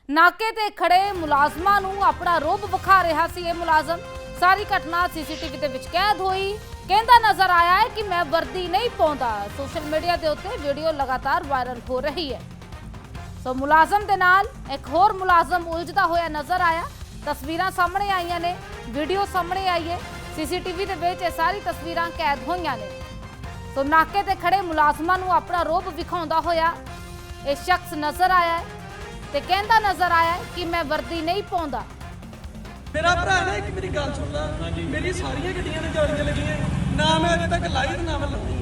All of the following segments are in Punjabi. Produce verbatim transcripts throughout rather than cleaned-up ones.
ਨਾਕੇ ਤੇ ਖੜੇ ਮੁਲਾਜ਼ਮਾਂ ਨੂੰ ਆਪਣਾ ਰੋਬ ਵਿਖਾ ਰਿਹਾ ਸੀ ਇਹ ਮੁਲਾਜ਼ਮ। ਸਾਰੀ ਘਟਨਾ ਸੀਸੀਟੀਵੀ ਦੇ ਵਿੱਚ ਕੈਦ ਹੋਈ। ਕਹਿੰਦਾ ਨਜ਼ਰ ਆਇਆ ਹੈ ਕਿ ਮੈਂ ਵਰਦੀ ਨਹੀਂ ਪਾਉਂਦਾ। ਸੋਸ਼ਲ ਮੀਡੀਆ ਦੇ ਉੱਤੇ ਵੀਡੀਓ ਲਗਾਤਾਰ ਵਾਇਰਲ ਹੋ ਰਹੀ ਹੈ। ਸੋ ਮੁਲਾਜ਼ਮ ਦੇ ਨਾਲ ਇੱਕ ਹੋਰ ਮੁਲਾਜ਼ਮ ਉਲਝਦਾ ਹੋਇਆ ਨਜ਼ਰ ਆਇਆ। ਤਸਵੀਰਾਂ ਸਾਹਮਣੇ ਆਈਆਂ ਨੇ, ਵੀਡੀਓ ਸਾਹਮਣੇ ਆਈ ਹੈ। ਸੀਸੀਟੀਵੀ ਦੇ ਵਿੱਚ ਇਹ ਸਾਰੀ ਤਸਵੀਰਾਂ ਕੈਦ ਹੋਈਆਂ ਨੇ। ਸੋ ਨਾਕੇ ਤੇ ਖੜੇ ਮੁਲਾਜ਼ਮਾਂ ਨੂੰ ਆਪਣਾ ਰੋਬ ਵਿਖਾਉਂਦਾ ਹੋਇਆ ਇਹ ਸ਼ਖਸ ਨਜ਼ਰ ਆਇਆ ਹੈ ਤੇ ਕਹਿੰਦਾ ਨਜ਼ਰ ਆਇਆ ਹੈ ਕਿ ਮੈਂ ਵਰਦੀ ਨਹੀਂ ਪਾਉਂਦਾ। ਮੇਰਾ ਭਰਾ ਨਾ ਇੱਕ ਮੇਰੀ ਗੱਲ ਸੁਣ ਲਾ, ਮੇਰੀ ਸਾਰੀਆਂ ਗੱਡੀਆਂ ਨੇ ਜਾਲੀਆਂ ਲੱਗੀਆਂ, ਨਾ ਮੈਂ ਅਜੇ ਤੱਕ ਲਾਈ ਤੇ ਨਾ ਮੈਂ ਲਾਉਣੀ।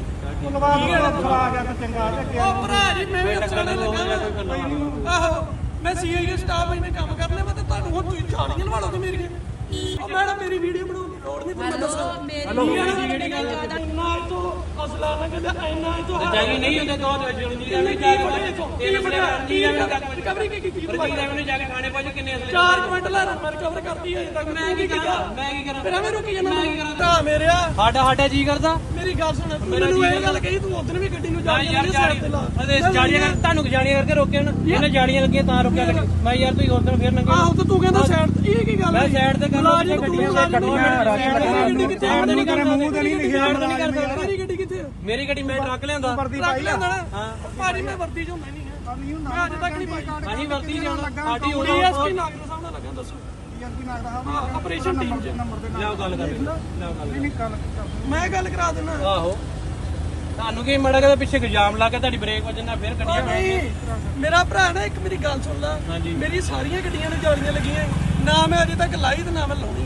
ਉਹ ਭਰਾ ਜੀ ਮੈਂ ਵੀ ਅਫਸਰਾਂ ਨਾਲ ਲੱਗਾ। ਆਹੋ ਮੈਂ ਸੀਆਈਏ ਸਟਾਫ ਇਹਨੇ ਕੰਮ ਕਰਨੇ, ਮੈਂ ਤਾਂ ਤੁਹਾਨੂੰ ਹੁਣ ਤੁਸੀਂ ਜਾਲੀਆਂ ਲਵਾ ਲਓਗੇ ਮੇਰੀਆਂ। ਉਹ ਮੈਡਮ ਮੇਰੀ ਵੀਡੀਓ ਬਣਾਉਣ ਦੀ ਲੋੜ ਨਹੀਂ, ਤੁਹਾਨੂੰ ਦੱਸਾਂ ਮੇਰੀ ਜਿਹੜੀ ਗੱਲ ਇੰਨਾ ਤੋਂ ਅਸਲਾ ਨਾ ਕਹਿੰਦਾ ਇੰਨਾ ਤੋਂ ਜਾਈ ਨਹੀਂ ਹੁੰਦੇ ਦੋ ਜੁਰਜੀ ਦਾ ਨਹੀਂ ਜਾਈ ਤੇਰੇ ਬੜੇ ਅਰਜੀ ਦਾ ਰਿਕਵਰੀ ਕੀ ਕੀਤੀ ਰਜੀ ਦਾ ਨੇ ਜਾ ਕੇ ਥਾਣੇ ਪਹੁੰਚ ਕਿੰਨੇ ਅਸਲੇ ਚਾਰ ਕੁਇੰਟਲ ਲੈ ਮੈਂ ਰਿਕਵਰ ਕਰਦੀ ਹੈ ਅਜੇ ਤੱਕ। ਮੈਂ ਕੀ ਕਰਾਂ ਮੈਂ ਕੀ ਕਰਾਂ ਫਿਰ ਐਵੇਂ ਰੁਕੀ ਜਾਂਦਾ ਮੈਂ ਕੀ ਕਰਾਂ ਭਰਾ ਮੇਰਿਆ। ਸਾਡਾ ਸਾਡਾ ਜੀ ਕਰਦਾ ਮੇਰੀ ਗੱਲ ਸੁਣ, ਮੈਨੂੰ ਇਹ ਗੱਲ ਕਹੀ ਤੂੰ ਉਦੋਂ ਵੀ ਗੱਡੀ ਨੂੰ ਜਾ ਯਾਰ ਜਾੜੀ ਅਦੇ ਜਾੜੀਆਂ ਕਰ ਤੁਹਾਨੂੰ ਜਾੜੀਆਂ ਕਰਕੇ ਰੋਕਿਆ ਨਾ ਇਹਨੇ ਜਾੜੀਆਂ ਲੱਗੀਆਂ ਤਾਂ ਰੋਕਿਆ ਲੱਗੇ ਮੈਂ ਯਾਰ ਤੁਸੀਂ ਉਦੋਂ ਫਿਰ ਨੰਗੇ ਆਹੋ ਤੇ ਤੂੰ ਕਹਿੰਦਾ ਸਾਈਡ ਇਹ ਕੀ ਗੱਲ ਮੈਂ ਸਾਈਡ ਤੇ ਕਰਦਾ ਗੱਡੀਆਂ ਗੱਡੀਆਂ ਸਾਈਡ ਨਹੀਂ ਕਰਦਾ ਮੂੰਹ ਤੇ ਨਹੀਂ ਲਿਖਿਆ ਮੇਰੀ ਗੱਡੀ ਕਿੱਥੇ ਆ? ਮੇਰੀ ਗੱਡੀ ਮੈਂ ਟਰੱਕ ਲਿਆਂਦਾ ਟਰੱਕ ਲਿਆਂਦਾ ਨਾ ਭਾਜੀ ਮੈਂ ਵਰਦੀ ਚ ਹੁੰਦਾ ਨਹੀਂ ਹੈ, ਮੈਂ ਅੱਜ ਤੱਕ ਨਹੀਂ ਪਾਈ। ਹਾਂਜੀ ਵਰਤੀ ਜਾਣਾ ਸਾਡੀ ਉਹ ਡੀਐਸਪੀ ਨਾਗਰ ਸਾਹਿਬ ਨਾਲ ਲੱਗਾ, ਦੱਸੋ ਆਪਰੇਸ਼ਨ ਟੀਮ ਚ ਲਿਆਓ ਗੱਲ ਕਰ ਲਿਆਓ ਗੱਲ ਮੈਂ ਗੱਲ ਕਰਾ ਦਿੰਦਾ। ਆਹੋ ਤੁਹਾਨੂੰ ਕੀ ਮੜਾ ਕੇ ਪਿੱਛੇ ਇਲਜ਼ਾਮ ਲਾ ਕੇ ਤੁਹਾਡੀ ਬ੍ਰੇਕ ਵੱਜਣਾ ਫਿਰ ਗੱਡੀਆਂ ਨਹੀਂ ਮੇਰਾ ਭਰਾ ਨਾ ਇੱਕ ਮੇਰੀ ਗੱਲ ਸੁਣ ਲਾ, ਮੇਰੀ ਸਾਰੀਆਂ ਗੱਡੀਆਂ ਨੇ ਜਾਲੀਆਂ ਲੱਗੀਆਂ, ਨਾ ਮੈਂ ਅਜੇ ਤੱਕ ਲਾਈ ਤੇ ਨਾ ਮੈਂ ਲਾਉਣੀ।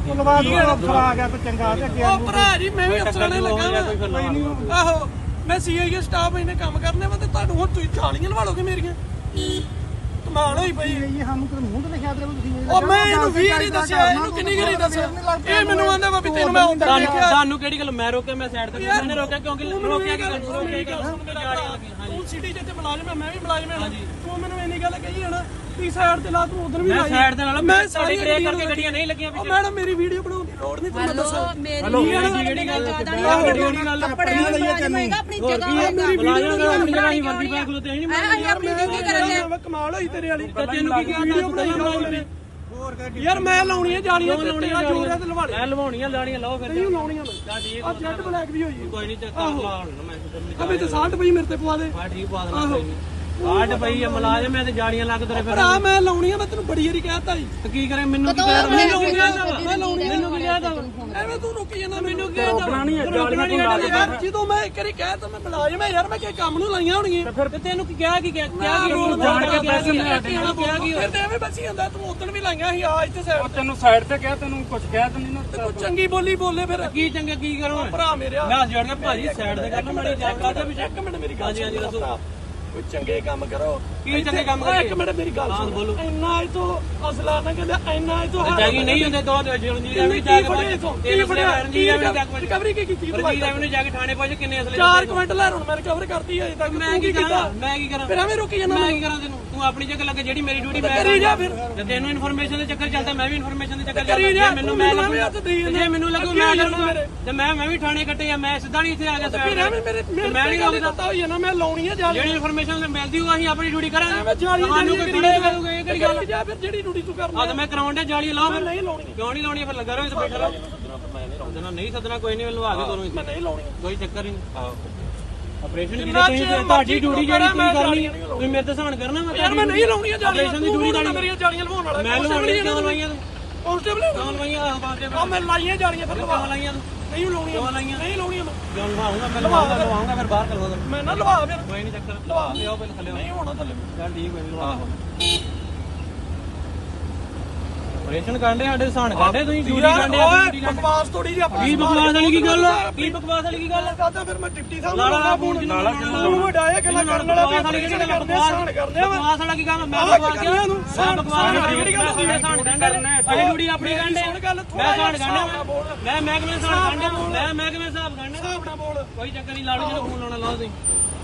ਉਹ ਭਰਾ ਜੀ ਮੈਂ ਵੀ ਅਫਸਰਾਂ ਨਾਲ ਲੱਗਾ। ਆਹੋ ਮੈਂ ਸੀਆਈਏ ਸਟਾਫ ਇਹਨੇ ਕੰਮ ਕਰਨੇ, ਮੈਂ ਤਾਂ ਤੁਹਾਨੂੰ ਹੁਣ ਤੁਸੀਂ ਜਾਲੀਆਂ ਲਵਾ ਲਓਗੇ ਮੇਰੀਆਂ। ਕਮਾਲ ਹੋਈ ਪਈ। ਉਹ ਮੈਂ ਇਹਨੂੰ ਵੀਹ ਵਾਰੀ ਦੱਸਿਆ, ਇਹਨੂੰ ਕਿੰਨੀ ਵਾਰੀ ਦੱਸਿਆ, ਇਹ ਮੈਨੂੰ ਆਂਦਾ ਵਾ ਵੀ ਤੈਨੂੰ ਮੈਂ ਹੁੰਦਾ ਦੇਖਿਆ। ਤੁਹਾਨੂੰ ਕਿਹੜੀ ਗੱਲ ਮੈਂ ਰੋਕਿਆ ਮੈਂ ਸਾਈਡ ਤੇ ਮੈਨੇ ਰੋਕਿਆ ਕਿਉਂਕਿ ਰੋਕਿਆ ਕਿ ਤੂੰ ਸਿਟੀ ਜਿੱਥੇ ਮੁਲਾਜ਼ਮ ਹੈ ਮੈਂ ਵੀ ਮੁਲਾਜ਼ਮ ਹਾਂ, ਤੂੰ ਮੈਨੂੰ ਇੰਨੀ ਗੱਲ ਕਹੀ ਹੈ ਨਾ ਤੀ ਸਾਈਡ ਤੇ ਲਾ ਤੂੰ ਉਧਰ ਵੀ ਮੈਂ ਸਾਈਡ ਤੇ ਨਾਲ ਮੈਂ ਸਾਡੀ ਬ੍ਰੇਕ ਕਰਕੇ ਗੱਡੀਆਂ ਨਹੀਂ ਲੱਗੀਆਂ ਉਹ ਮੈਡਮ ਮੇਰੀ ਵੀਡੀਓ ਬਣਾਉਣ ਦੀ ਲੋੜ ਨਹੀਂ, ਤੁਹਾਨੂੰ ਦੱਸਾਂ ਹੈਲੋ ਜਿਹੜੀ ਗੱਲ ਜਿਹੜੀ ਗੱਲ ਕੱਪੜੇ ਮੁਲਾਜ਼ਮ ਆਪਣੀ ਜਗ੍ਹਾ ਮੇਰੀ ਵੀਡੀਓ ਆਪਣੀ ਜਗ੍ਹਾ ਹੀ ਵਰਦੀ ਪਾ ਖਲੋਤੇ ਨਹੀਂ ਅਸੀਂ ਆਪਣੀ ਡਿਊਟੀ ਕਰਨੇ। ਕਮਾਲ ਹੋਈ ਤੇਰੇ ਵਾਲੀ। ਤੈਨੂੰ ਕੀ ਵੀਡੀਓ ਬਣਾਈ ਯਾਰ ਮੈਂ ਲਾਉਣੀਆਂ ਜਾਲੀਆਂ ਤੇ ਤੇਰਾ ਜੋਰ ਹੈ ਤੇ ਲਵਾ ਲੈ। ਐ ਲਵਾਉਣੀਆਂ ਲਾਣੀਆਂ ਲਾਓ ਫਿਰ ਨਹੀਂ ਲਾਉਣੀਆਂ ਮੈਂ ਤਾਂ ਠੀਕ ਆ ਜੈਟ ਬਲੈਕ ਵੀ ਹੋਈ ਕੋਈ ਨਹੀਂ ਚੱਕਰ ਲਾ ਹੁਣ ਮੈਂ ਅਬੇ ਤੇ ਸਾਲਟ ਪਈ ਮੇਰੇ ਤੇ ਪਵਾ ਦੇ। ਹਾਂ ਠੀਕ ਪਾ ਦੇਣਾ ਕੋਈ ਨਹੀਂ ਆਟ ਪਈ ਆ ਮੁਲਾਜ਼ਮ ਐ ਤੇ ਜਾੜੀਆਂ ਲੱਗ ਤੇਰੇ ਫਿਰ ਭਰਾ ਮੈਂ ਲਾਉਣੀਆਂ, ਮੈਂ ਤੈਨੂੰ ਬੜੀ ਵਾਰੀ ਕਹਿਤਾ ਜੀ। ਤੇ ਕੀ ਕਰੇ ਮੈਨੂੰ ਕੀ ਕਹਿ ਮੈਂ ਲਾਉਣੀਆਂ ਮੈਂ ਲਾਉਣੀਆਂ ਮੈਨੂੰ ਕੀ ਕਹਿਦਾ ਐਵੇਂ ਤੂੰ ਰੁਕੀ ਜਾਂਦਾ, ਮੈਨੂੰ ਕੀ ਕਹਿਦਾ ਜਦੋਂ ਮੈਂ ਇੱਕ ਵਾਰੀ ਕਹਿਤਾ ਮੈਂ ਮੁਲਾਜ਼ਮ ਐ ਯਾਰ, ਮੈਂ ਕਿ ਕੰਮ ਨੂੰ ਲਾਈਆਂ ਹੋਣਗੀਆਂ। ਫਿਰ ਤੈਨੂੰ ਕੀ ਕਿਹਾ ਕੀ ਕਿਹਾ ਕੀ ਰੋਲ ਜਾਣ ਕੇ ਪੈਸੇ ਨਹੀਂ ਕਿਹਾ ਕੀ ਫਿਰ ਤੇ ਐਵੇਂ ਬਚੀ ਜਾਂਦਾ, ਤੂੰ ਉਦੋਂ ਵੀ ਲਾਈਆਂ ਸੀ ਆ ਇੱਥੇ ਸਾਈਡ। ਤੈਨੂੰ ਸਾਈਡ ਤੇ ਕਿਹਾ, ਤੈਨੂੰ ਕੁਝ ਕਿਹਾ ਤੈਨੂੰ ਨਾ ਤੂੰ ਚੰਗੀ ਬੋਲੀ ਬੋਲੇ ਫਿਰ ਕੀ ਚੰਗਾ ਕੀ ਕਰੂੰ ਭਰਾ ਮੇਰਿਆ। ਮੈਂ ਜੜਨਾ ਭਾਜੀ ਸਾਈਡ ਤੇ ਕਰਨਾ ਮੜੀ ਜਾ ਕਰਦਾ ਵੀ ਇੱਕ ਮਿੰਟ ਮੇਰੀ ਗੱਲ ਸੁਣ ਦੱਸੋ, ਕੋਈ ਚੰਗੇ ਕੰਮ ਕਰੋ। ਕੀ ਚੰਗੇ ਕੰਮ ਕਰੀਏ? ਇੱਕ ਮਿੰਟ ਮੇਰੀ ਗੱਲ ਸੁਣ ਬੋਲੋ। ਇੰਨਾ ਇਹ ਤੋਂ ਅਸਲਾ ਨਾ ਕਹਿੰਦਾ ਇੰਨਾ ਇਹ ਤੋਂ ਜਾਈ ਨਹੀਂ ਹੁੰਦੇ ਦੋ ਜੁਰਜੀ ਦਾ ਨਹੀਂ ਜਾ ਕੇ ਤੇਰੇ ਫੜਿਆ ਰਣਜੀ ਦਾ ਨਹੀਂ ਰਿਕਵਰੀ ਕੀ ਕੀਤੀ ਰਣਜੀ ਦਾ ਨੇ ਜਾ ਕੇ ਥਾਣੇ ਪਹੁੰਚ ਕਿੰਨੇ ਅਸਲੇ ਚਾਰ ਕੁਇੰਟਲ ਲੈ ਹੁਣ ਮੈਂ ਰਿਕਵਰ ਕਰਤੀ ਅਜੇ ਤੱਕ। ਮੈਂ ਕੀ ਕਰਾਂ ਮੈਂ ਕੀ ਕਰਾਂ ਫਿਰ ਐਵੇਂ ਰੁਕੀ ਜਾਂਦਾ ਮੈਂ ਕੀ ਕਰਾਂ ਤੈਨੂੰ ਤੂੰ ਆਪਣੀ ਜਗ੍ਹਾ ਲੱਗੇ ਜਿਹੜੀ ਮੇਰੀ ਡਿਊਟੀ ਮੈਂ ਕਰੀ ਜਾ ਫਿਰ। ਤੇ ਤੈਨੂੰ ਇਨਫੋਰਮੇਸ਼ਨ ਦੇ ਚੱਕਰ ਚੱਲਦਾ ਮੈਂ ਵੀ ਇਨਫੋਰਮੇਸ਼ਨ ਦੇ ਚੱਕਰ ਕਰੀ ਜਾ। ਮੈਨੂੰ ਮੈਂ ਮੈਂ ਹੱਥ ਦੇਈ ਜੇ ਮੈਨੂੰ ਲੱਗੂ ਮੈਂ ਕਰੂੰਗਾ ਤੇ ਮੈਂ ਮੈਂ ਵੀ ਥਾਣੇ ਕੱਟੇ ਆ, ਮੈਂ ਸਿੱਧਾ ਨਹੀਂ ਇੱਥੇ ਆ ਗਿਆ ਫਿਰ ਐਵੇਂ ਮੇਰੇ ਮੈਂ ਨਹੀਂ ਗੱਲ ਪਤਾ ਹੋਈ ਨਾ ਮੈਂ ਲਾਉਣੀ ਆ ਜਾਲੀ। ਜਿਹੜੀ ਇਨਫੋਰਮੇਸ਼ਨ ਮਿਲਦੀ ਹੋਊ ਅਸੀਂ ਆਪਣੀ ਡਿਊਟੀ ਕਰਾਂਗੇ। ਮੈਂ ਜਾਲੀ ਤੁਹਾਨੂੰ ਕੋਈ ਥੋੜੇ ਕਰੂਗਾ ਇਹ ਕਿਹੜੀ ਗੱਲ ਜਾ ਫਿਰ ਜਿਹੜੀ ਡਿਊਟੀ ਤੂੰ ਕਰਨਾ। ਆ ਤਾਂ ਮੈਂ ਕਰਾਉਣ ਦੇ ਜਾਲੀ ਲਾਓ ਫਿਰ ਨਹੀਂ ਲਾਉਣੀ। ਕਿਉਂ ਨਹੀਂ ਲਾਉਣੀ ਫਿਰ ਲੱਗਾ ਰਹੋ ਇੱਥੇ ਬੈਠਾ ਰਹੋ। ਸੱਦਣਾ ਨਹੀਂ ਸੱਦਣਾ ਕੋਈ ਨਹੀਂ ਮੈਨੂੰ ਆ ਕੇ ਤੁਹਾਨੂੰ ਮੈਂ ਨਹੀਂ ਲਾਉਣੀ ਕੋਈ ਚੱਕਰ ਹੀ ਨਹੀਂ। ਆਪਰੇਸ਼ਨ ਦੀ ਤੁਸੀਂ ਤੁਹਾਡੀ ਡਿਊਟੀ ਜਿਹੜੀ ਤੁਸੀਂ ਕਰਨੀ ਤੁਸੀਂ ਮੇਰੇ ਤੇ ਸਹਾਨ ਕਰਨਾ ਮੈਂ ਯਾਰ ਮੈਂ ਨਹੀਂ ਲਾਉਣੀਆਂ ਜਾਲੀਆਂ। ਆਪਰੇਸ਼ਨ ਦੀ ਡਿਊਟੀ ਤਾਂ ਮੇਰੀਆਂ ਜਾਲੀਆਂ ਲਵਾਉਣ ਵਾਲਾ ਮੈਂ ਲਵਾਉਣੀਆਂ ਕਿਉਂ ਲਵਾਈਆਂ ਤੂੰ ਕਾਂਸਟੇਬਲ ਕਿਉਂ ਲਵਾਈਆਂ ਆਹ ਬਾਤੇ ਆ ਮੈਂ ਲਾਈਆਂ ਜਾਲੀਆਂ ਫਿਰ ਲਵਾ ਕਿਉਂ ਲਾਈਆਂ ਤੂੰ ਨਹੀਂ ਲਾਉਣੀਆਂ ਕਿਉਂ ਲਾਈਆਂ ਨਹੀਂ ਲਾਉਣੀਆਂ ਮੈਂ ਕਿਉਂ ਲਵਾਉਂਗਾ ਮੈਂ ਲਵਾਉਂਗਾ ਲਵਾਉਂਗਾ ਫਿਰ ਬਾਹਰ ਕਰਵਾ ਦਾਂ ਮੈਂ ਨਾ ਲਵਾ ਫਿਰ ਕੋਈ ਨਹੀਂ ਚੱਕਰ ਲਵਾ ਲਿਆਓ ਪਹਿਲਾਂ ਥੱਲੇ ਨਹੀਂ ਹੋਣਾ ਥੱਲੇ ਚੱਲ ਠੀਕ ਹੈ ਲਵਾ ਆਪਰੇਸ਼ਨ ਕਰਦੇ ਸਾਡੇ ਸਹਾਨ ਕਰਦੇ ਤੁਸੀਂ ਡਿਊਟੀ ਕਰਦੇ ਓਏ ਬਕਵਾਸ ਥੋੜੀ ਜਿਹੀ ਆਪਣੀ ਕੀ ਬਕਵਾਸ ਵਾਲੀ ਕੀ ਗੱਲ ਕੀ ਬਕਵਾਸ ਵਾਲੀ ਕੀ ਗੱਲ ਕਰਦਾ ਫਿਰ ਮੈਂ ਡਿਪਟੀ ਸਾਹਿਬ ਲਾਲਾ ਨੂੰ ਫੋਨ ਨਾਲਾ ਤੂੰ ਵਡਾਇਆ ਗੱਲਾਂ ਕਰਨ ਵਾਲਾ ਵੀ ਵਾਲੀ ਆਪਰੇਸ਼ਨ ਗੱਲ ਕਰਦੇ ਸਾਨ ਕਰਦੇ ਆ ਬਕਵਾਸ ਵਾਲਾ ਕੀ ਕੰਮ ਮੈਂ ਬਕਵਾਸ ਕਿਹਾ ਤੂੰ ਬਕਵਾਸ ਵਾਲੀ ਗੱਲ ਹੁੰਦੀ ਹੈ ਸਹਾਨ ਕਰਨਾ ਅਸੀਂ ਡਿਊਟੀ ਆਪਣੀ ਕਰਦੇ ਮੈਂ ਸਹਾਨ ਕਰਨਾ ਮੈਂ ਮਹਿਕਮੇ ਸਹਾਨ ਕਰਨਾ ਮੈਂ ਮਹਿਕਮੇ ਹਿਸਾਬ ਕਰਨਾ ਹਿਸਾਬ ਨਾਲ ਬੋਲ ਕੋਈ ਚੱਕਰ ਨਹੀਂ ਲਾੜੂ ਜਿਹਨੂੰ ਫੋਨ ਲਾਉਣਾ ਲਾਓ ਤੁਸੀਂ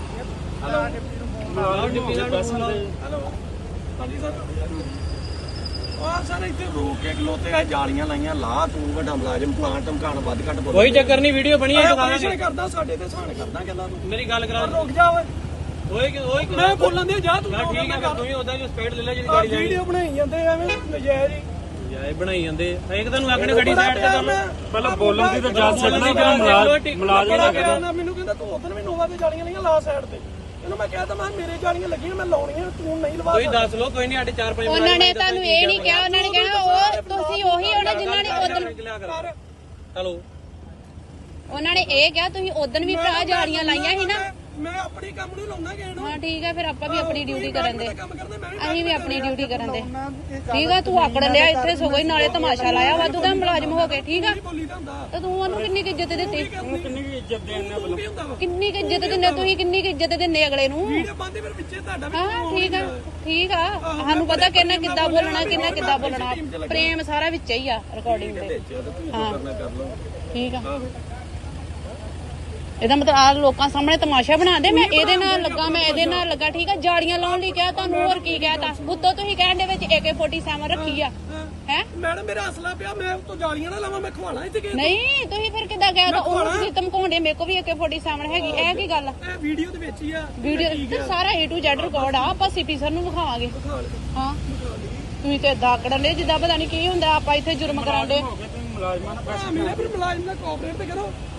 ਹੈਲੋ ਡਿਪਟੀ ਸਾਹਿਬ ਨੂੰ ਫੋਨ ਲਾਓ ਹੈਲੋ ਹਾਂਜੀ ਸਰ ਉਹ ਸਰ ਇੱਥੇ ਰੋਕ ਕੇ ਖਲੋਤੇ ਆ ਜਾਲੀਆਂ ਲਾਈਆਂ ਲਾ ਤੂੰ ਵੱਡਾ ਮੁਲਾਜ਼ਮ ਪਲਾਂਟ ਧਮਕਾਣ ਵੱਧ ਘੱਟ ਬੋਲ ਕੋਈ ਚੱਕਰ ਨਹੀਂ ਵੀਡੀਓ ਬਣੀ ਹੈ ਆਪਰੇਸ਼ਨ ਕਰਦਾ ਸਾਡੇ ਤੇ ਸਹਾਨ ਕਰਦਾ ਗੱਲਾਂ ਤੂੰ ਮੇਰੀ ਗੱਲ ਕਰਾ ਰੁਕ ਜਾ ਓਏ ਓਏ ਕਿ ਓਏ ਮੈਂ ਬੋਲਣ ਦੇ ਜਾ ਤੂੰ ਠੀਕ ਹੈ ਤੂੰ ਹੀ ਉਦਾਂ ਹੀ ਸਪੀਡ ਲੈ ਲੈ ਜਿਹੜੀ ਗਾੜੀ ਲੈਣੀ ਵੀਡੀਓ ਬਣਾਈ ਜਾਂਦੇ ਐਵੇਂ ਨਜਾਇਜ਼ ਹੀ ਯਾਰ ਬਣਾਈ ਜਾਂਦੇ ਇੱਕ ਤੁਹਾਨੂੰ ਆਖਣੇ ਗੱਡੀ ਸਾਈਡ ਤੇ ਕਰ ਲਓ ਪਹਿਲਾਂ ਬੋਲਣ ਦੀ ਤਾਂ ਜਾ ਸਕਦਾ ਪਰ ਮੁਲਾਜ਼ਮ ਦਾ ਕਹਿੰਦਾ ਮੈਨੂੰ ਕਹਿੰਦਾ ਤੂੰ ਉਧਰ ਵੀ ਨੋਵਾ ਤੇ ਜਾਲੀਆਂ ਲਈਆਂ ਲਾ ਸਾਈਡ ਤੇ ਇਹਨੂੰ ਮੈਂ ਕਿਹਾ ਤਾਂ ਮੈਂ ਮੇਰੇ ਜਾਲੀਆਂ ਲੱਗੀਆਂ ਮੈਂ ਲਾਉਣੀਆਂ ਤੂੰ ਨਹੀਂ ਲਵਾ ਤੁਸੀਂ ਦੱਸ ਲਓ ਕੋਈ ਨਹੀਂ ਸਾਡੇ ਚਾਰ ਪੰਜ ਉਹਨਾਂ ਨੇ ਤੁਹਾਨੂੰ ਇਹ ਨਹੀਂ ਕਿਹਾ ਉਹਨਾਂ ਨੇ ਕਹਿਣਾ ਉਹ ਤੁਸੀਂ ਉਹੀ ਹੋਣਾ ਜਿਨ੍ਹਾਂ ਨੇ ਉਦੋਂ ਚਲੋ ਉਹਨਾਂ ਨੇ ਇਹ ਕਿਹਾ ਤੁਸੀਂ ਉਦੋਂ ਵੀ ਭਰਾ ਜਾਲੀਆਂ ਲਾਈਆਂ ਸੀ ਨਾ ਮੈਂ ਆਪਣੀ ਕੰਮ ਨੂੰ ਲਾਉਣਾ ਕਿਸੇ ਨੂੰ ਹਾਂ ਠੀਕ ਆ ਫਿਰ ਆਪਾਂ ਵੀ ਆਪਣੀ ਡਿਊਟੀ ਕਰਨ ਦੇ ਕੰਮ ਕਰਦੇ ਮੈਂ ਵੀ ਅਸੀਂ ਵੀ ਆਪਣੀ ਡਿਊਟੀ ਕਰਨ ਦੇ ਠੀਕ ਆ ਤੂੰ ਆਕੜ ਲਿਆ ਇੱਥੇ ਸਗੋਂ ਹੀ ਨਾਲੇ ਤਮਾਸ਼ਾ ਲਾਇਆ ਵਾਧੂ ਦਾ ਮੁਲਾਜ਼ਮ ਹੋ ਕੇ ਠੀਕ ਆ ਬੋਲੀ ਦਾ ਹੁੰਦਾ ਤੇ ਤੂੰ ਉਹਨੂੰ ਕਿੰਨੀ ਕੁ ਇੱਜ਼ਤ ਦਿੱਤੀ ਕਿੰਨੀ ਕੁ ਇੱਜ਼ਤ ਦੇਣ ਨੇ ਕੀ ਹੁੰਦਾ ਵਾ ਕਿੰਨੀ ਕੁ ਇੱਜ਼ਤ ਦਿੰਦੇ ਤੁਸੀਂ ਕਿੰਨੀ ਕੁ ਇੱਜ਼ਤ ਦਿੰਦੇ ਅਗਲੇ ਨੂੰ ਵੀਡੀਓ ਬੰਦੇ ਫਿਰ ਵਿੱਚੇ ਤੁਹਾਡਾ ਵੀ ਹਾਂ ਠੀਕ ਆ ਠੀਕ ਆ ਸਾਨੂੰ ਪਤਾ ਕਿੰਨਾ ਕਿੱਦਾਂ ਬੋਲਣਾ ਕਿੰਨਾ ਕਿੱਦਾਂ ਬੋਲਣਾ ਪ੍ਰੇਮ ਸਾਰਾ ਵਿੱਚ ਹੀ ਆ ਰਿਕਾਰਡਿੰਗ ਦੇ ਹਾਂ ਠੀਕ ਆ ਇਹਦਾ ਮਤਲਬ ਆ ਲੋਕਾਂ ਸਾਹਮਣੇ ਤਮਾਸ਼ਾ ਬਣਾਉਂਦੇ ਮੈਂ ਇਹਦੇ ਨਾਲ ਲੱਗਾ ਮੈਂ ਇਹਦੇ ਨਾਲ ਲੱਗਾ ਠੀਕ ਆ ਜਾੜੀਆਂ ਲਾਉਣ ਲਈ ਕਿਹਾ ਤੁਹਾਨੂੰ ਹੋਰ ਕੀ ਕਹਿਤਾ ਬੁੱਤੋ ਤੁਸੀਂ ਕਹਿਣ ਦੇ ਵਿੱਚ ਏ ਕੇ ਸੈਵਨਟੀ ਰੱਖੀ ਆ ਹੈ ਮੈਡਮ ਮੇਰਾ ਅਸਲਾ ਪਿਆ ਮੈਂ ਉਤੋਂ ਜਾਲੀਆਂ ਨਾ ਲਾਵਾਂ ਮੈਂ ਖਵਾਣਾ ਇੱਥੇ ਕਿਸੇ ਨਹੀਂ ਤੁਸੀਂ ਫਿਰ ਕਿੱਦਾਂ ਕਹਿਤਾ ਉਹ ਤੁਸੀਂ ਧਮਕਾਉਂਦੇ ਮੇਰੇ ਕੋ ਵੀ ਏ ਕੇ ਸੈਵਨਟੀ ਹੈਗੀ ਇਹ ਕੀ ਗੱਲ ਆ ਇਹ ਵੀਡੀਓ ਦੇ ਵਿੱਚ ਹੀ ਆ ਵੀਡੀਓ ਤੇ ਸਾਰਾ ਏ ਟੂ ਜ਼ੈਡ ਰਿਕਾਰਡ ਆ ਆਪਾਂ ਸੀਪੀ ਸਰ ਨੂੰ ਵਿਖਾਵਾਂਗੇ ਹਾਂ ਤੁਸੀਂ ਤੇ ਦਾਕੜਨ ਦੇ ਜਿੱਦਾਂ ਪਤਾ ਨਹੀਂ ਕੀ ਹੁੰਦਾ ਆਪਾਂ ਇੱਥੇ ਜੁਰਮ ਕਰਾਂਦੇ ਮੁਲਾਜ਼ਮਾਂ ਨਾਲ ਮੇਰੇ ਫਿਰ ਮੁਲਾਜ਼ਮ ਨਾਲ ਕੋਆਪਰੇਟ ਤੇ ਕਰੋ